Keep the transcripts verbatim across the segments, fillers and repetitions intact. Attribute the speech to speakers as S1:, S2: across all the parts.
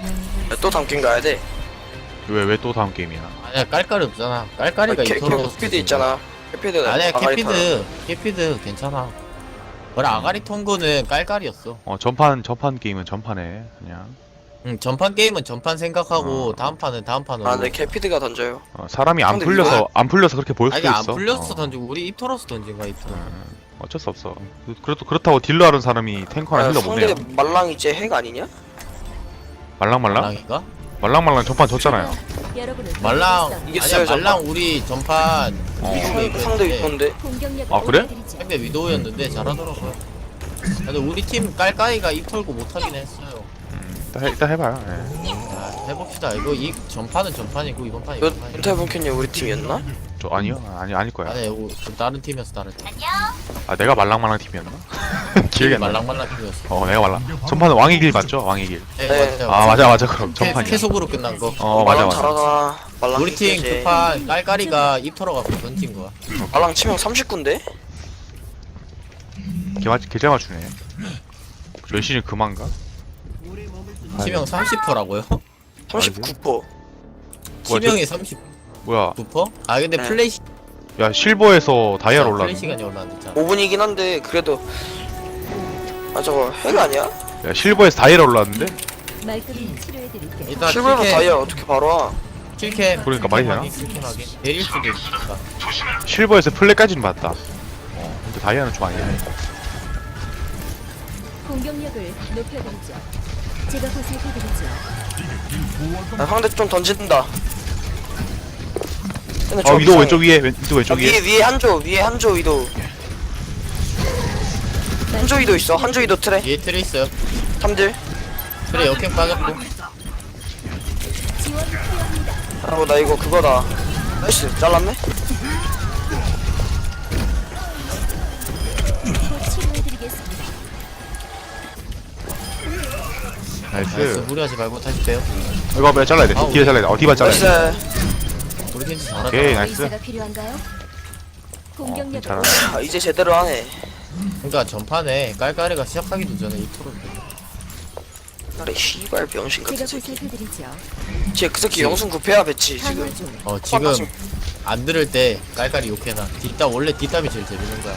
S1: 또 담긴 가야 돼.
S2: 왜 왜 또 다음 게임이야?
S3: 아니야 깔깔이 없잖아. 깔깔이가
S1: 캐, 캐,
S3: 이토로
S1: 캐피드 있잖아. 캐피드.
S3: 아니야 캐피드 캐피드 괜찮아. 그래 아가리 통고는 깔깔이었어.
S2: 어 전판 전판 게임은 전판에 그냥
S3: 응 전판 게임은 전판 생각하고
S2: 어.
S3: 다음 판은 다음 판으로.
S1: 아, 네 캐피드가 던져요.
S2: 어, 사람이 안
S1: 근데
S2: 풀려서
S1: 이거-
S2: 안 풀려서 그렇게 보일
S3: 아니
S2: 수도
S3: 안
S2: 있어.
S3: 풀렸어
S2: 어.
S3: 던지고 우리 입토로스 던진 거야 입토로.
S2: 음, 어쩔 수 없어. 그- 그래도 그렇다고 딜러 하는 사람이 탱커나
S1: 아,
S2: 힐러 못해요.
S1: 상대 말랑 이제 핵 아니냐?
S2: 말랑말랑?
S3: 말랑인가?
S2: 말랑말랑 전판 졌잖아요.
S3: 말랑
S1: 이겼어요,
S3: 아니야 말랑 우리 전판
S2: 어.
S3: 위도우
S1: 상대
S3: 이겼는데
S1: 위건데.
S2: 아, 그래?
S3: 상대 위도우였는데 잘하더라고요. 근데 우리 팀 깔깔이가 입 털고 못하긴 했어요.
S2: 음, 일단, 해, 일단 해봐요. 예.
S3: 자, 해봅시다. 이거 이 전판은 전판이고 이번 판이
S1: 몇
S3: 이번 판이고.
S1: 윤태분캔님 우리 팀이었나?
S2: 저 아니요 아니 아닐 거야.
S3: 아니 이거 좀 다른 팀이었어 다른 팀.
S2: 아 내가 말랑말랑 팀이었나? 기억이 안 나.
S3: 말랑말랑 팀이었어.
S2: 어 내가 말랑. 전판은 왕의 길 맞죠? 왕의 길.
S3: 네,
S1: 네.
S3: 맞아요.
S2: 아 맞아 맞아 그럼
S3: 캐,
S2: 전판이야.
S3: 캐속으로 끝난 거.
S2: 어 맞아
S1: 말랑
S2: 맞아.
S1: 잘하잖아. 말랑
S3: 우리 팀
S1: 이겨야지.
S3: 두판 깔깔이가 입 털어갖고 던진 거야.
S1: 말랑 치명 삼십구인데?
S2: 개마 개잘 맞추네. 열심히 그만가?
S3: 치명 삼십 퍼라고요?
S1: 삼십구 퍼.
S2: 뭐야,
S3: 치명이 삼십구
S2: 뭐야?
S3: 퍼? 아 근데
S1: 네.
S3: 플레이 시
S2: 야 실버에서 다이아로
S3: 플레이
S2: 올랐네.
S3: 시간이 얼마 안 됐잖아.
S1: 오 분이긴 한데 그래도 아 저거 핵 아니야?
S2: 야 실버에서 다이아로 올랐는데?
S4: 말끔히 치료해드릴게요.
S3: 일단
S1: 실버로
S3: 킬캠
S1: 다이아 어떻게 바로 와?
S3: 킬캠
S2: 그러니까 많이 되나?
S3: 킬캠하게 내릴 수도 있으니까.
S2: 실버에서 플랫까지는 봤다. 어 근데 다이아는 좀 아니야.
S4: 공격력을 높여드리죠. 제가 보살펴드리죠.
S1: 아, 상대 좀 던진다. 근데
S2: 어
S1: 저
S2: 위도
S1: 이상해.
S2: 왼쪽 위에 왼, 위도
S1: 아,
S2: 왼쪽
S1: 위에
S2: 위에.
S1: 위에 한조 위에 한조 위도 한조 위도 있어. 한조 위도 트레
S3: 뒤에 트레 있어요.
S1: 삼들.
S3: 트레 역행 빠졌고.
S4: 지원 필요합니다.
S1: 아이고 나 이거 그거다. 나이스 잘랐네.
S4: 곧 치료해드리겠습니다.
S3: 나이스
S2: 나이스.
S3: 무리하지 말고 다시 빼요.
S2: 이거 왜 잘라야 돼?
S3: 아,
S2: 뒤에 잘라야 돼. 어 뒤만 잘라야 돼.
S1: 나이스.
S3: 우리 팀 잘하다.
S2: 오케이 나이스.
S4: 의사가 필요한가요? 공격력을
S2: 괜찮아.
S1: 아, 이제 제대로 하네.
S3: 그러니까 전판에 깔깔이가 시작하기도 전에 입토로
S1: 아래 씨발 병신
S4: 제가
S1: 같은 새끼.
S4: 보살펴드리죠.
S1: 쟤그 새끼 영sun 구패야 배치 지금.
S4: 강화 중.
S3: 어 지금 안 들을 때 깔깔이 욕해놔. 뒷담 원래 뒷담이 제일 재밌는 거야.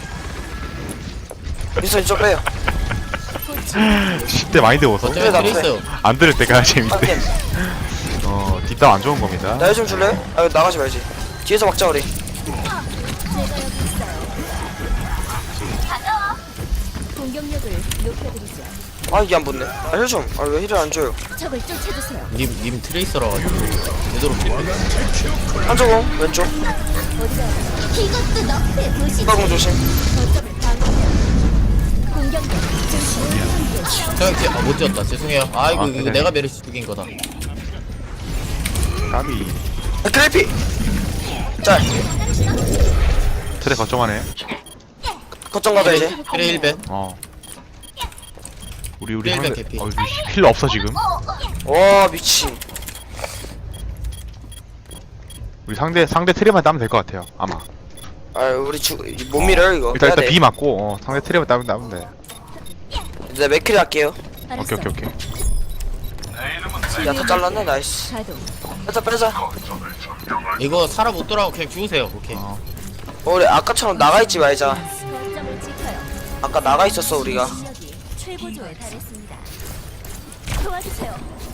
S1: 민선 이쪽 빼요.
S4: 곧 치료.
S2: 십 대 많이 되워서
S3: 어쩌면
S1: 나
S3: 트레 있어요.
S2: 안 들을 때가 재밌대.
S1: 한팀
S2: 어 뒷담 안 좋은 겁니다.
S1: 나좀 줄래? 아 나가지 말지. 뒤에서 막자 우리.
S4: 제가 여기 있어요. 공격력을 높여드리죠.
S1: 아 이게 안 붙네. 아힐 좀. 아 왜 힐을 안 줘요?
S4: 적을 쫓아주세요.
S3: 님, 님 트레이서라 가지고 제대로 필요.
S1: 한쪽 공 왼쪽.
S4: 어디가? 이것도 너의 도시.
S1: 후방공 조심.
S4: 거점을 방어해요. 공격력 증폭.
S3: 저 형제 아못 지었다. 죄송해요. 아 이거
S2: 아,
S3: 이거
S2: 괜찮아요.
S3: 내가 메르시 죽인 거다.
S2: 까비.
S1: 아, 크래피. 짤.
S2: 트레 걱정하네.
S1: 거점 가자 이제.
S3: 트레 일 벤.
S2: 어. 우리 우리
S3: 힐
S2: 상대
S3: 개피.
S2: 어, 힐 없어 지금.
S1: 와 미친.
S2: 우리 상대 상대 트레만 따면 될 것 같아요. 아마.
S1: 아 우리 주못 밀어요 이거.
S2: 일단
S1: 해야
S2: 일단
S1: 돼.
S2: B 맞고 어, 상대 트레만 따면 따면 돼.
S1: 이제 맥크리 할게요.
S4: 알았어.
S2: 오케이 오케이 오케이.
S1: 야다 잘랐네 나이스.
S4: 가동.
S1: 빼자 빼자.
S3: 이거 살아 못 돌아오고 그냥 죽으세요. 오케이.
S2: 어.
S1: 어, 우리 아까처럼 나가 있지 말자.
S4: 거점을 지켜요.
S1: 아까 나가 있었어 우리가.
S4: 실력이 최고조에 달했습니다. 도와주세요.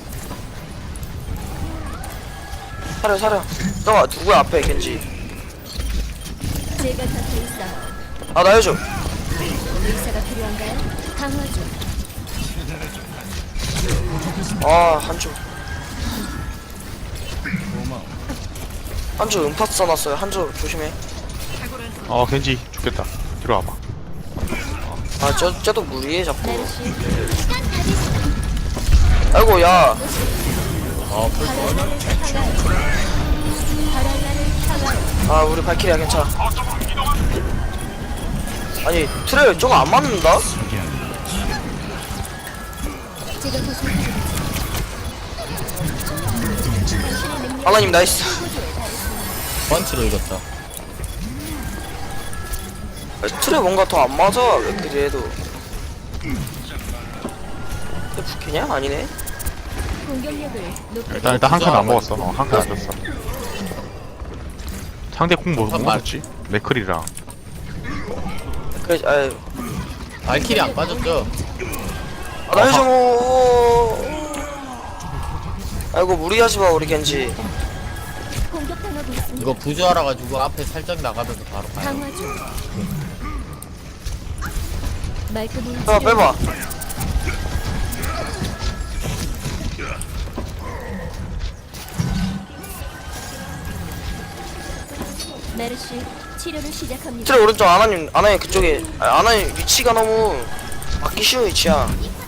S1: 사려 사려. 너가 누구야 앞에 겐지.
S4: 제가 곁에 있어요.
S1: 아 나 해줘.
S4: 의사가 필요한가요? 강화 중.
S1: 아 한조. 한조 음파 써놨어요. 한조 조심해.
S2: 어 겐지 죽겠다. 들어와봐.
S1: 아저 쟤도 무리해 자꾸.
S4: 메르시.
S1: 아이고 야.
S3: 아 풀.
S4: 바랄라를 향하여. 바랄라를 향하여.
S1: 아 우리 발키리야 괜찮아. 아니 트레 저거 안 맞는다?
S4: 제가 보살펴드리죠.
S1: 하나님 나이스.
S3: 펀치로 이겼다.
S1: 아, 트레 뭔가 더 안 맞아. 왜 그래도. 근데 부캐냐? 아니네.
S4: 공격력을 높여.
S2: 일단 일단 한 칸 안 먹었어. 어, 한 칸 안 줬어. 상대 쿵뭐 뭐
S3: 잠깐만.
S2: 먹었지? 맥클이랑.
S1: 그래 아유
S3: 발키리 안 빠졌죠?
S1: 아, 나 해줘. 아이고 무리하지 마 우리 겐지.
S4: 공격당하고 있습니다.
S3: 이거 부조하라 가지고 앞에 살짝 나가면서 바로 가요.
S4: 강화 중. 말끔히
S1: 빼봐 빼봐.
S4: 메르시 치료를 시작합니다.
S1: 트레 오른쪽 아나님 아나님 그쪽에 아, 아나님 위치가 너무 맞기 쉬운 위치야.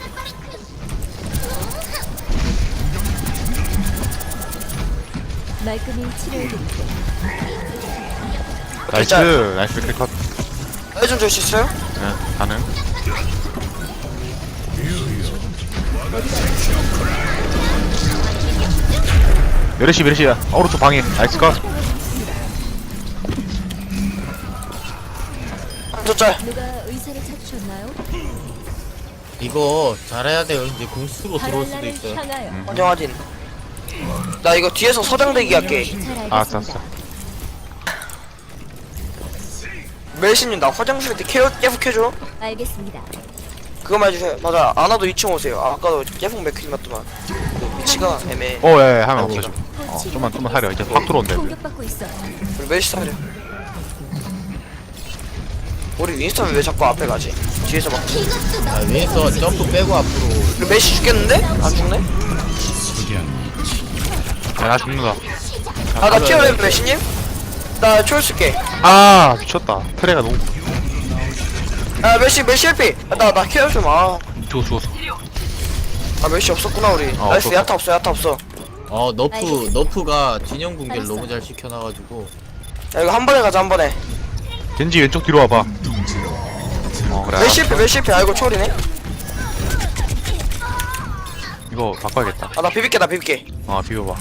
S4: 말끔히 치료해드릴게요.
S2: 나이스
S1: 진짜.
S2: 나이스 맥클 컷.
S1: 해좀 줄 수 있어요?
S2: 네, 가능. 메르시 메르시야. 오른쪽 방에 나이스 컷.
S1: 한쪽 짤.
S4: 누가 의사를 찾으셨나요?
S3: 이거 잘해야 돼요. 이제 공수로 들어올 수도
S4: 바랄라를
S3: 있어요.
S4: 향하여.
S1: 환경 확인. 나 이거 뒤에서 서장대기 할게.
S4: 잘
S2: 알았어
S4: 알겠습니다.
S2: 알았어.
S1: 멜신님 나 화장실 때 케어 계속 해줘.
S4: 알겠습니다.
S1: 그거만 해주세요. 맞아 아나도 이 층 오세요. 아, 아까도 계속 맥크림 맞더만. 그 위치가 애매해.
S2: 어, 예, 예, 하면
S1: 아니,
S2: 없어져.
S4: 곧
S2: 어,
S4: 치료가
S2: 좀만, 좀만 하려. 이제 확 들어온대. 이제.
S4: 공격받고 있어.
S1: 우리 멜시 사려. 우리 윈스턴 왜 자꾸 앞에 가지? 뒤에서 막.
S3: 아, 위에서 점프 빼고 앞으로.
S1: 우리 멜시 죽겠는데? 안 죽네?
S2: 야, 나 죽는다.
S1: 아 나 케어해 멜시님? 나 초월 쓸게.
S2: 아, 미쳤다. 트레가 너무.
S1: 아 멜시 멜시 헬피. 나 나 케어 좀 아.
S2: 죽었어, 죽었어.
S1: 아 멜시 없었구나 우리.
S2: 어,
S1: 나이스
S2: 없었어.
S1: 야타 없어 야타 없어.
S3: 어, 너프,
S4: 알겠습니다.
S3: 너프가 진영 붕괴를
S4: 알았어.
S3: 너무 잘 시켜놔가지고.
S1: 야 이거 한 번에 가자 한 번에.
S2: 겐지 왼쪽 뒤로 와봐. 어, 그래.
S1: 멜시 헬피 멜시 헬피. 아이고 초월이네.
S2: 이거 바꿔야겠다.
S1: 아 나 비빌게 나 비빌게.
S2: 어, 비벼봐.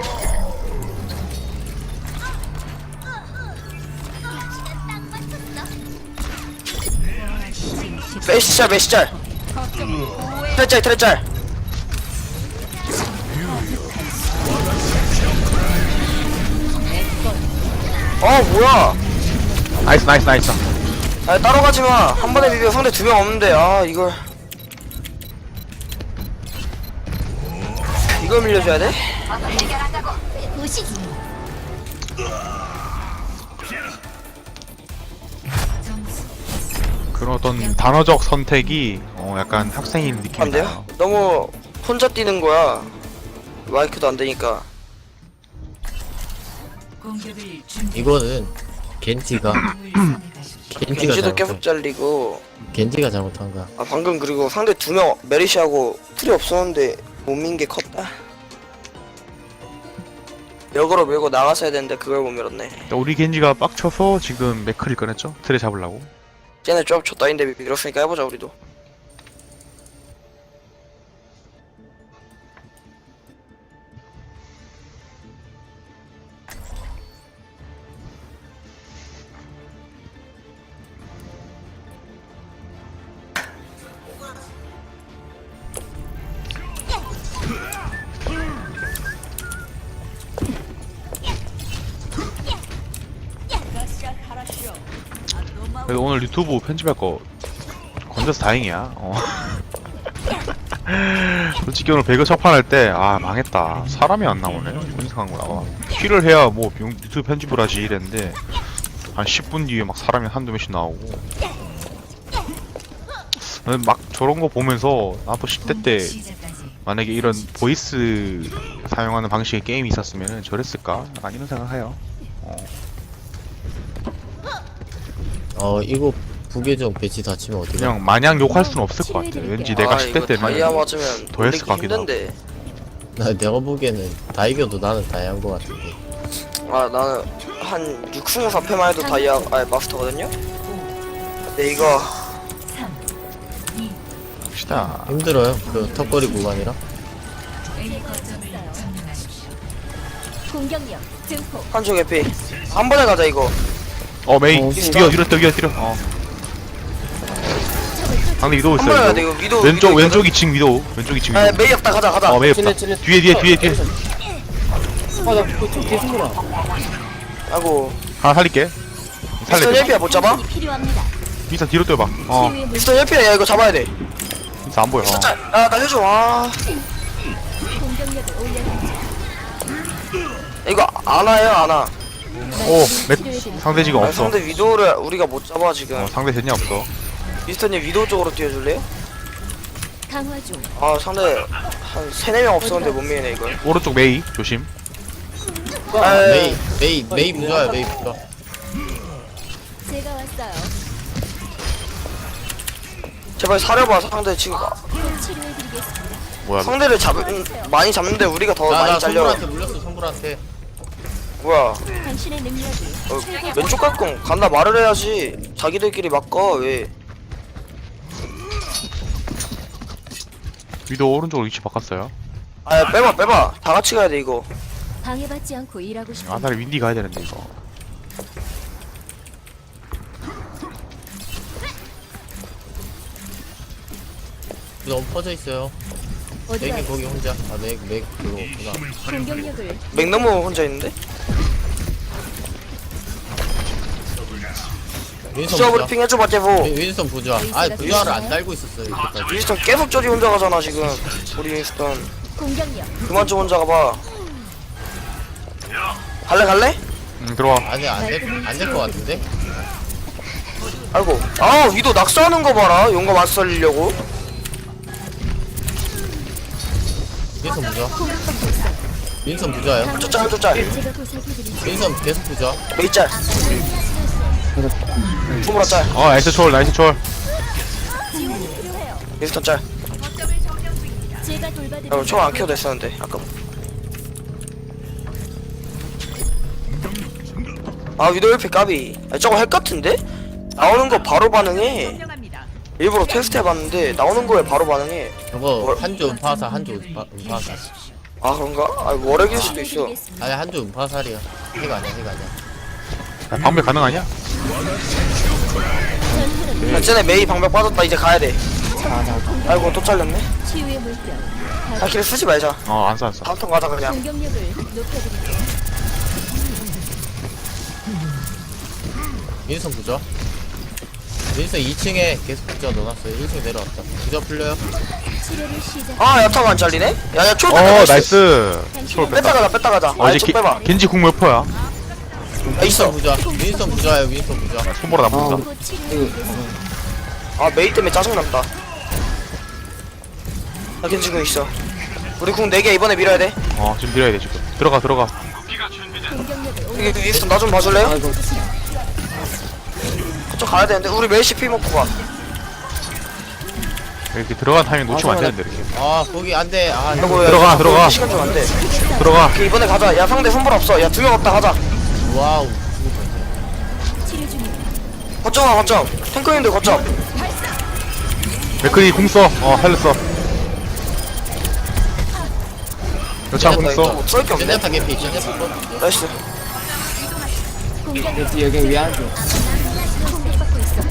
S1: 멜시 짤 멜시 짤. 트레 짤 트레 짤. 어 뭐야?
S2: 나이스, 나이스, 나이스.
S1: 아 따로 가지마. 한 번에 비벼. 상대 두 명 없는데. 아 이걸 이걸 밀려줘야 돼?
S4: 보시지.
S2: 그런 어떤 단어적 선택이, 어, 약간 학생인 느낌이
S1: 안 돼요?
S2: 나요.
S1: 너무 혼자 뛰는 거야. 마이크도 안 되니까.
S3: 이거는 겐지가. 겐지가
S1: 겐지도
S3: 잘못한,
S1: 계속 잘리고.
S3: 겐지가 잘못한 거야.
S1: 아 방금 그리고 상대 두 명 메리시하고 틀이 없었는데 못 민 게 컸다. 역으로 밀고 나갔어야 되는데 그걸 못 밀었네.
S2: 그러니까 우리 겐지가 빡쳐서 지금 맥클이 꺼냈죠? 트레 잡으려고.
S1: 쟤네 좀 줬다인데 밀었으니까 해보자 우리도.
S2: 그래도 오늘 유튜브 편집할 거 건져서 다행이야. 어. 솔직히 오늘 배그 첫판 할 때 아 망했다. 사람이 안 나오네. 분석한 거 나와. 킬을 해야 뭐 유튜브 편집을 하지 이랬는데 한 십 분 뒤에 막 사람이 한두 명씩 나오고. 나는 막 저런 거 보면서 나도 십 대 때 만약에 이런 보이스 사용하는 방식의 게임이 있었으면 저랬을까? 약간 이런 생각해요. 어.
S3: 어, 이거 부계정 배치 다치면 어떡해?
S2: 그냥 마냥 욕할 수는 없을 것 같아. 왠지 내가
S1: 아,
S2: 십 대
S1: 이거 다이아
S2: 때는
S1: 맞으면
S2: 더 했을
S1: 돌리기
S2: 것 같기도 하고.
S1: 힘든데.
S3: 나, 내가 보기에는 다 이겨도 나는 다이한 거 같은데.
S1: 아 나는 한 육 승 사 패만 해도 다이아 아 마스터거든요? 근데 이거
S2: 봅시다.
S3: 힘들어요. 그 턱걸이 구간이라.
S4: 공격력 증폭.
S1: 한쪽 에피 한 번에 가자 이거.
S2: 어 메이
S3: 어,
S2: 뛰어 뛰어 뛰어 뛰어. 어.
S4: 적을
S2: 상대 위도우
S1: 한 번에 가야 돼
S2: 있어요.
S1: 이거 위도.
S2: 왼쪽
S1: 위도
S2: 왼쪽 이 층 위도우. 왼쪽 이 층
S1: 아
S2: 위도우.
S1: 메이 없다 가자 가자.
S2: 어 메이 없다.
S5: 찔레, 찔레.
S2: 뒤에 뒤에 뒤에 뒤에.
S5: 아나 그거 좀 개승구나.
S1: 아이고.
S2: 하나 살릴게.
S1: 미스터
S2: 살릴게.
S1: 헬피야 못 잡아?
S4: 필요합니다.
S2: 미스터 뒤로 뛰어봐. 어
S4: 치유의 물
S1: 미스터 헬피야 야 이거 잡아야 돼.
S2: 미스터 안 보여. 어.
S1: 진짜 야나 해줘. 아
S4: 공격력을 올려드리죠.
S1: 이거 안 와요 안 와.
S2: 오 맥, 상대 지금
S1: 아,
S2: 없어.
S1: 상대 위도우를 우리가 못 잡아 지금.
S2: 어, 상대 젠냐 없어.
S1: 미스터님 위도우 쪽으로 뛰어줄래요?
S4: 강화 중.
S1: 아 상대 한 세네 명 없었는데 못 미네 이걸.
S2: 오른쪽 메이 조심.
S1: 아,
S3: 메이 메이 메이 부자야 메이 부자.
S4: 제가 왔어요.
S1: 제발 사려봐 상대 지금
S4: 곧 치료해드리겠습니다.
S2: 뭐야?
S1: 상대를 잡 많이 잡는데 우리가 더
S3: 나나
S1: 많이 잘려.
S3: 선불한테 물렸어 선불한테.
S1: 뭐야?
S4: 당신의 능력이
S1: 어,
S4: 최고.
S1: 왼쪽 갈건 간다 말을 해야지. 자기들끼리 막가 왜?
S2: 위도우 오른쪽으로 위치 바꿨어요.
S1: 아 빼봐 빼봐. 다 같이 가야 돼 이거.
S4: 방해받지 않고 일하고 싶은.
S2: 아 나를 윈디 가야 되는데 이거.
S3: 너무 퍼져 있어요.
S4: 어디가
S3: 맥이 거기 혼자. 아맥맥 그거 없구나.
S4: 공격력을
S1: 맥너무 혼자 있는데?
S3: 윈선
S1: 수업
S3: 부자.
S1: 브리핑 해줘봐 제보.
S3: 윈- 윈선 부자. 아 부자를 안 달고 있었어요 이때까지.
S1: 윈스턴 계속 저리 혼자 가잖아 지금. 우리 윈스턴
S4: 공격력.
S1: 그만 좀 혼자 가봐. 갈래 갈래?
S2: 응 들어와.
S3: 아니 안될안될 것 같은데.
S1: 아이고. 아 위도 낙서하는 거 봐라. 용감 안 살리려고.
S3: 윈선 부자. 윈선 부자야.
S1: 쫓짤 쫓짤.
S4: 제가 보살펴드리죠.
S3: 윈선 계속 부자.
S1: 메이짤. 주무라 짤.
S2: 어 나이스 초월 나이스 초월.
S4: 지원이 필요해요.
S1: 윈스턴 짤.
S4: 제가 돌봐드리죠.
S1: 어, 총안 켜도 됐었는데 아까. 아 위도 일피 까비. 아, 저거 핵 같은데? 나오는 거 바로 반응해. 일부러 테스트 해봤는데 나오는 거에 바로 반응해.
S3: 저거 한조 음파사 한조 음파, 음파사.
S1: 아 그런가? 아 월핵일 수도 있어.
S4: 치료해드리겠습니다.
S3: 아니 한조 음파살이야. 핵 아니야 핵 아니야.
S2: 야, 방벽 가능하냐?
S4: 전투는
S1: 야, 쟤네 메이 방벽 빠졌다. 이제 가야 돼. 아이고 또 잘렸네.
S4: 치유의 물병.
S1: 아 길 쓰지 말자.
S2: 어 안 써 안 써.
S1: 다음 턴 가자 그냥.
S4: 공격력을 높여드리죠.
S3: 윈선 부자. 윈선 이 층에 계속 부자 넣어놨어요. 일 층 내려왔다. 부자 풀려요.
S4: 치료를 시작.
S1: 아 야타가 안 잘리네? 야야 초월
S2: 어
S1: 뺐다.
S2: 나이스. 초월
S1: 뺐다
S2: 뺐다.
S1: 가자 뺐다 가자.
S2: 어
S1: 아
S2: 이제
S1: 쪽
S2: 기,
S1: 빼봐.
S2: 겐지 궁 몇 퍼야?
S1: 아 있어.
S3: 부자. 윈선 부자야 윈선 부자.
S2: 손보라 나쁜다.
S4: 곧 치료해드리겠습니다.
S1: 아 메이 때문에 짜증난다. 나 괜찮고 있어. 우리 궁 네 개 이번에 밀어야 돼.
S2: 어 지금 밀어야 돼 지금. 들어가 들어가.
S4: 공격력을
S1: 여기
S4: 올려.
S1: 위에서 나 좀 봐줄래요? 그쪽 가야 되는데 우리 멜시 피 먹고 가.
S2: 이렇게 들어간 타이밍 놓치면 안 되는데 이렇게.
S3: 아 거기 안돼. 아
S1: 아이고, 야,
S2: 들어가,
S1: 이거
S2: 들어가.
S1: 시간 좀 안 돼.
S2: 들어가.
S1: 오케이, 이번에 가자. 야 상대 손볼 없어. 야 두 명 없다 가자.
S3: 와우. 죽을 뻔했네.
S4: 치료 중입니다.
S1: 거점아 거점. 탱커님들 거점.
S2: 맥크리 궁 써. 어 살렸어. 여차 궁 써.
S1: 뭐 쏠게 없네.
S3: 제네타 개피 제네타 거.
S1: 나이스.
S4: 공격력
S5: 여기 여기 위 안쪽.
S4: 공격받고 있어.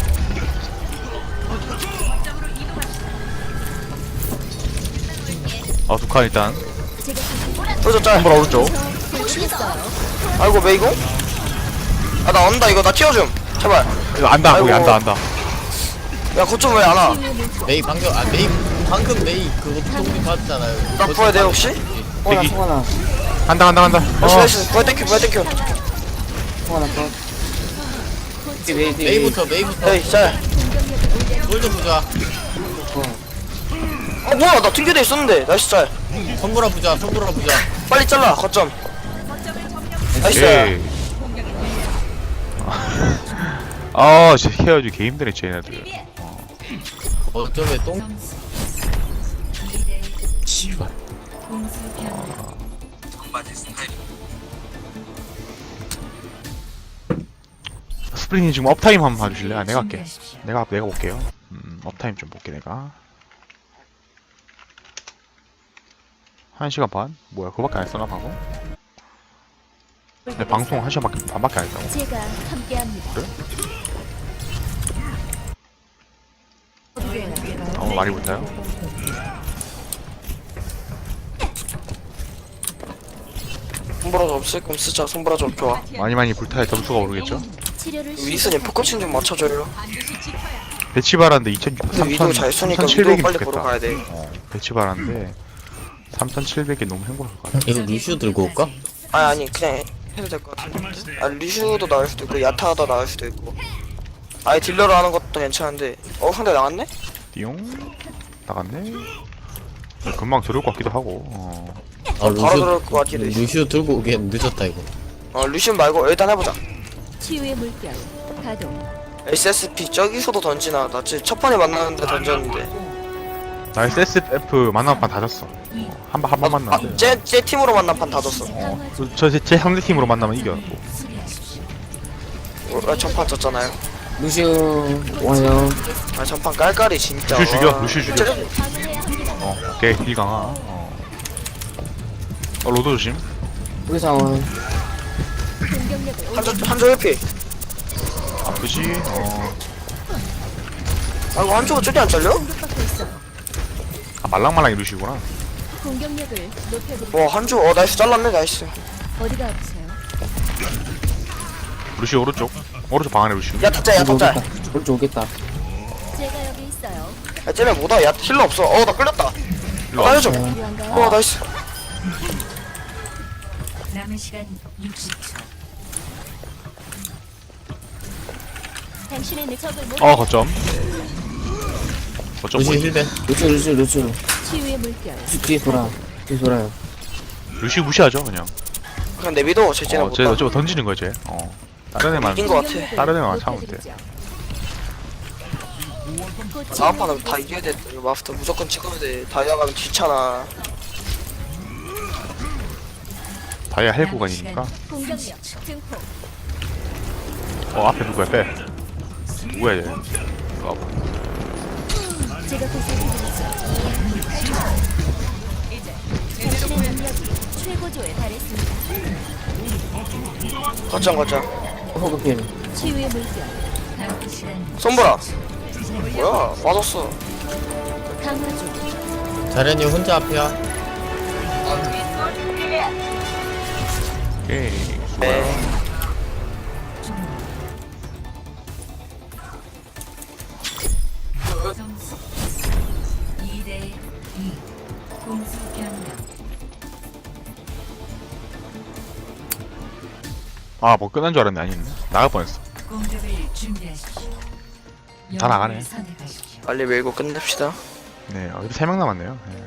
S2: 어 두 칸 일단.
S4: 제가
S1: 오른쪽 짤.
S2: 손보라 오른쪽.
S4: 보시겠어요.
S1: 아이고 메이공. 아 나 온다 이거 나 튀어줌. 제발.
S2: 이거 안다 거기
S1: 아이고.
S2: 안다 안다.
S1: 야 거점 왜 안 와?
S4: 치유의 물병.
S3: 메이 방금 아 메이 방금 메이 그거 통비 받았잖아요.
S1: 나 부어야 돼 혹시?
S5: 송하나
S2: 대기.
S5: 송하나
S2: 간다 간다 간다.
S1: 나이스
S2: 어.
S1: 나이스. 부활 땡큐 부활 땡큐.
S5: 송하나 컷. 여기 메이 메이
S3: 메이부터 메이부터.
S1: 에이 짤.
S4: 공격력을 올려.
S3: 골드 부자.
S1: 어 뭐야 나 튕겨져 있었는데. 나이스 짤.
S3: 선불아 부자 선불아 부자.
S1: 빨리 잘라 거점. 나이스.
S2: 오케이. 아 진짜 헤어지 개 힘드네 쟤네들.
S3: 어쩌면 똥.
S2: 씨발. 스프링이 지금 업타임 한번 봐주실래요? 아, 내가 할게. 내가 내가 볼게요. 음, 업타임 좀 볼게 내가. 한 시간 반? 뭐야 그거밖에 안 했었나 방금? 내 방송 한 시간 밖에, 반밖에 안 했다고.
S4: 제가 함께합니다.
S2: 그래?
S4: 네.
S2: 거 많이 붙어요?
S1: 손보라도 없을 거면 쓰자. 손보라 좀 좋아.
S2: 많이 많이 불타야 점수가 오르겠죠?
S4: 치료를
S1: 위스님 포커싱 좀 맞춰줘요.
S2: 배치 바란데 이천,
S1: 근데 위도 잘 쏘니까 위도
S2: 삼천칠백이
S1: 빨리 보러
S2: 좋겠다.
S1: 가야 돼.
S2: 어, 배치 바란데 삼천칠백이 너무 행복할 것 같아.
S3: 이거 루시우 들고 올까?
S1: 아니 아니 그냥 해- 해도 될 것 같은데. 아 루슈도 나을 수도 있고 야타도 나을 수도 있고. 아예 딜러로 하는 것도 괜찮은데. 어 상대 나갔네?
S2: 띠용 나갔네. 금방 들어올 것 같기도 하고. 어.
S3: 아
S1: 바로 들어올 것 같기도 해.
S3: 루시우 들고 오기엔 늦었다 이거.
S1: 어 루슈 말고 일단 해보자.
S4: 치유의 물결 가동.
S1: 에스에스피 저기서도 던지나. 나 지금 첫 번에 만나는데 던졌는데.
S2: 나 에스에스에프 만난 판다 졌어. 한 번 한 번 만났는데.
S1: 쟤, 쟤 팀으로 만난 판 다 졌어.
S2: 어, 저제 제 상대 팀으로 만나면 이겨.
S1: 어, 전판 졌잖아요.
S5: 루시우 와요.
S1: 아 전판 깔깔이 진짜.
S2: 루슈 죽여,
S1: 와.
S2: 루슈 죽여.
S1: 쟤-
S2: 어, 오케이 딜 강화. 어. 어 로드 조심.
S5: 우리 상원.
S4: 공격력을
S1: 한조 한조 회피.
S2: 아프지? 어.
S1: 아 이거 한조가 쪼리 안 잘려?
S4: 공격받고 있어.
S2: 아 말랑말랑이 루시구나.
S4: 공격력을 높여드리고.
S1: 와 한조 어 나이스 잘랐네 나이스.
S4: 어디가 아프세요?
S2: 루시 오른쪽. 오른쪽 방 안에 루시.
S1: 야 타짜 야 타짜.
S5: 오른쪽 오겠다.
S4: 제가 여기 있어요.
S1: 야 쟤네 뭐다 야 힐러 없어. 어 나 끌렸다.
S2: 일로
S1: 어,
S2: 와.
S1: 알려줘.
S4: 필요한가요?
S1: 어 나이스.
S6: 남은 시간 육십 초.
S4: 당신의 능력을 못.
S2: 어 거점. 거점
S3: 루시우
S2: 보이지?
S3: 힐벤.
S5: 루시우 루시우 루시우.
S4: 치유의 물결.
S5: 루시우 뒤에 돌아. 뒤에 돌아요.
S2: 루시 무시하죠 그냥.
S1: 그냥 내비도 쟤 쟤네
S2: 어, 쟤
S1: 못다.
S2: 어차피 던지는 거야 쟤. 어. 다른 애만
S1: 이긴 거 같아.
S4: 공격력을
S2: 다른 애만 참으면 돼.
S4: 높여드리죠. 곧
S1: 다음 판은 다 이겨야 돼. 이거 마스터 무조건 찍어야 돼. 다이아 가면 귀찮아.
S2: 다이아 할 구간이니까.
S4: 공격력 증폭.
S2: 어 앞에 누구야 빼. 누구야 얘. 이거 와봐.
S4: 제가 보살펴드리죠. 당신의 능력이 최고조에 달했습니다.
S1: 거점 거점.
S5: 호그 필.
S4: 치유의 물결.
S6: 남은 시간
S1: 손보라. 뭐야 맞았어.
S4: 강화 중.
S3: 자련이 혼자 앞이야.
S2: 오케이.
S1: 네.
S6: 점수 이 대 이. 공수 변경.
S2: 아뭐 끝난 줄 알았네 아니네. 나갈 뻔했어.
S6: 공격을 준비하십시오.
S2: 다 나가네.
S6: 영웅을 선택하십시오.
S1: 빨리 밀고 끝냅시다.
S2: 네. 어, 이제 세 명 남았네요. 네.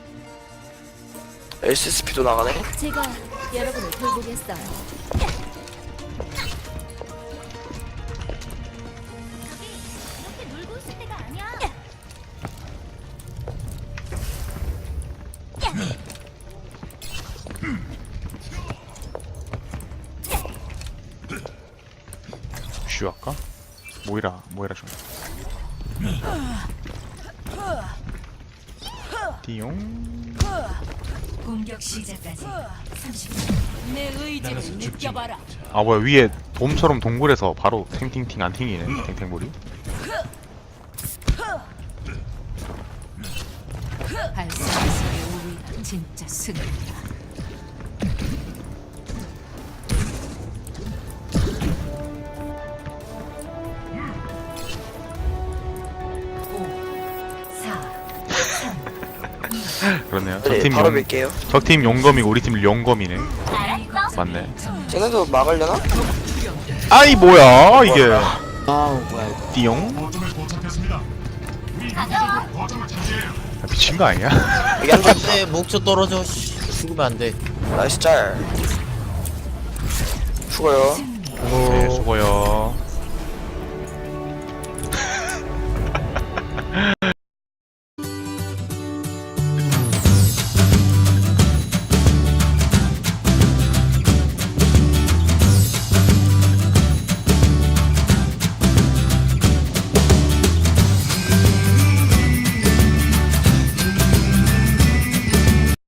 S1: 에스에스피도 나가네.
S4: 제가 여러분을 돌보겠어요. 이렇게 놀고 있을 때가 아니야.
S2: 슈 할까? 모이라 모이라 좀. 띠용.
S6: 공격 시작까지 삼십 초.
S4: 내 의지를 느껴봐라.
S2: 아 뭐야 위에 돔처럼 동굴에서 바로 탱탱팅 안 튕기네 탱탱볼이.
S6: 발사수의 우위가 진짜 승리다. 오, 사,
S2: 그렇네요.
S1: 네,
S2: 적팀
S1: 바로
S2: 용
S1: 밀게요.
S2: 적팀 용검이고 우리 팀 용검이네. 맞네.
S1: 쟤네도 막으려나?
S2: 아이 뭐야 이게.
S5: 아우 뭐야 이거.
S2: 띠용. 아, 미친 거 아니야?
S1: 여기 한조
S3: 안돼 목표 떨어져. 씨, 죽으면 안 돼.
S1: 나이스 짤. 죽어요.
S2: 네 수고요.